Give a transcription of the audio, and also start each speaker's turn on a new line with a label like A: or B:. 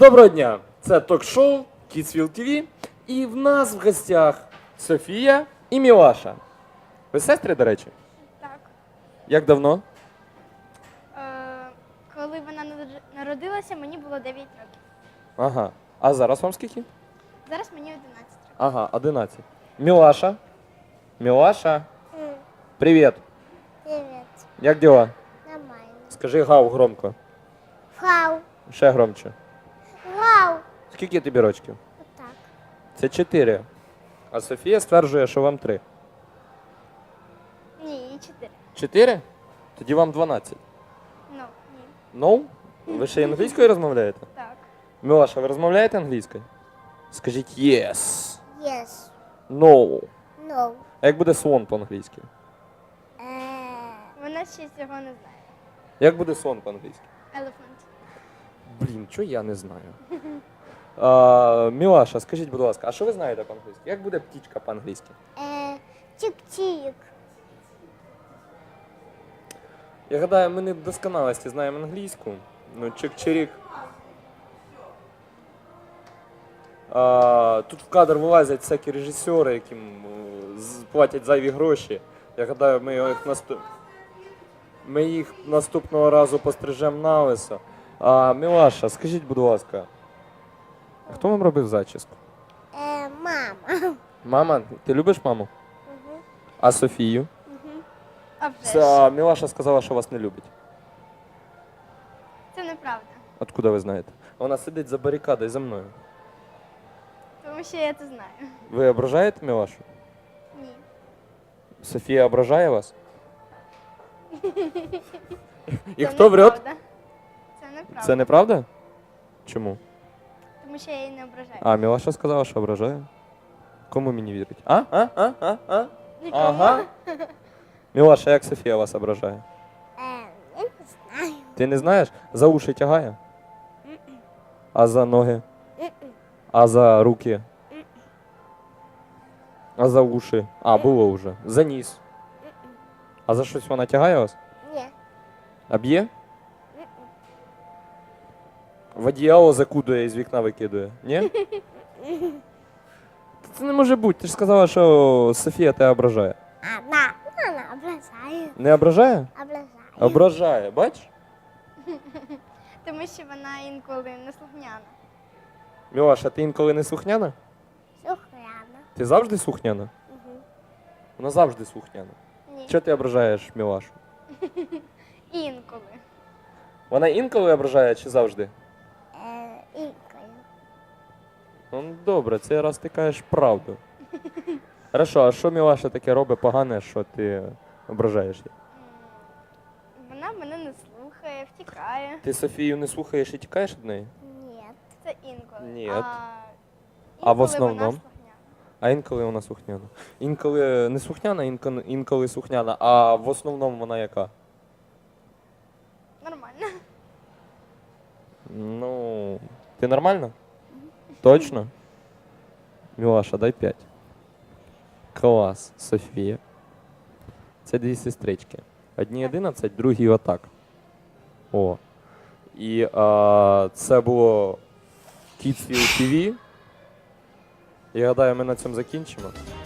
A: Доброго дня! Це ток-шоу Kidsville TV. І в нас в гостях Софія і Мілаша. Ви сестри, до речі?
B: Так.
A: Як давно?
B: Коли вона народилася, мені було 9 років.
A: Ага. А зараз вам скільки?
B: Зараз мені 11 років.
A: Ага, 11. Мілаша. Мілаша. Привіт.
C: Привет.
A: Як діла?
C: Нормально.
A: Скажи гав громко.
C: Вау.
A: Ще громче.
C: Вау.
A: Скільки тобі рочків?
C: Отак.
A: Це 4. А Софія стверджує, що вам 3.
B: Ні, їй 4.
A: 4? Тоді вам 12.
B: Ну, ні.
A: No? Ви ще й англійською розмовляєте?
B: Так.
A: Мілаша, ви розмовляєте англійською? Скажіть yes.
C: Yes.
A: No.
C: No.
A: А як буде слон по-англійськи?
B: Вона ще цього не знає.
A: Як буде слон по-англійськи?
B: Elephant.
A: Блін, чого я не знаю. Мілаша, скажіть, будь ласка, а що ви знаєте по-англійськи? Як буде птічка по-англійськи?
C: Чик-чик.
A: Я гадаю, ми не в досконалості знаємо англійську. Ну, чик-чирік. Тут в кадр вилазять всякі режисери, яким платять зайві гроші. Я гадаю, ми їх наступного разу пострижемо на лисо. Мілаша, скажіть, будь ласка, хто вам робив зачіску?
C: Мама.
A: Мама? Ти любиш маму? А Софію?
B: А вже ж.
A: Мілаша сказала, що вас не любить.
B: Це неправда.
A: Откуда ви знаєте? Вона сидить за барикадою за мною.
B: Тому що я це знаю.
A: Ви ображаєте Мілашу?
B: Ні.
A: Софія ображає вас? І
B: Це
A: хто врет?
B: неправда. Це неправда.
A: Це неправда? Чому?
B: Тому що я її не ображаю.
A: А, Мілаша сказала, що ображає. Кому мені вірить?
B: Нікому.
A: Ага. Мілаша, як Софія вас ображає?
C: Я не знаю.
A: Ти не знаєш? За уші тягає? А за ноги? А за руки? А за уші? А, було вже. За ніс. А за щось вона тягає вас?
C: Ні.
A: А б'є? В одіяло закудує і з вікна викидує. Ні? Це не може бути. Ти ж сказала, що Софія тебе ображає.
C: Вона ображає.
A: Не ображає?
C: Ображає.
A: Ображає, бачиш?
B: Тому що вона інколи неслухняна.
A: Мілаша, ти інколи не слухняна?
C: Сухряна.
A: Ти завжди слухняна? Вона завжди слухняна.
B: Ні.
A: Чого ти ображаєш Мілашу?
B: Інколи.
A: Вона інколи ображає чи завжди?
C: Інкою.
A: Ну, добре, цей раз ти кажеш правду. Хорошо, а що Мілаша таке робить погане, що ти ображаєш її?
B: Вона мене не слухає, втікає.
A: Ти Софію не слухаєш і тікаєш від неї?
C: Ні.
B: Це інколи.
A: Ні.
B: А
A: А в
B: інколи
A: основному?
B: вона слухняна.
A: А інколи вона слухняна. Інколи не слухняна, інколи слухняна, а в основному вона яка?
B: Нормально.
A: Ну, ти нормально? Точно? Мілаша, дай 5. Клас, Софія. Це дві сестрички. Одній 11, другій отак. О. І це було Kidsville TV. Я гадаю, ми на цьому закінчимо.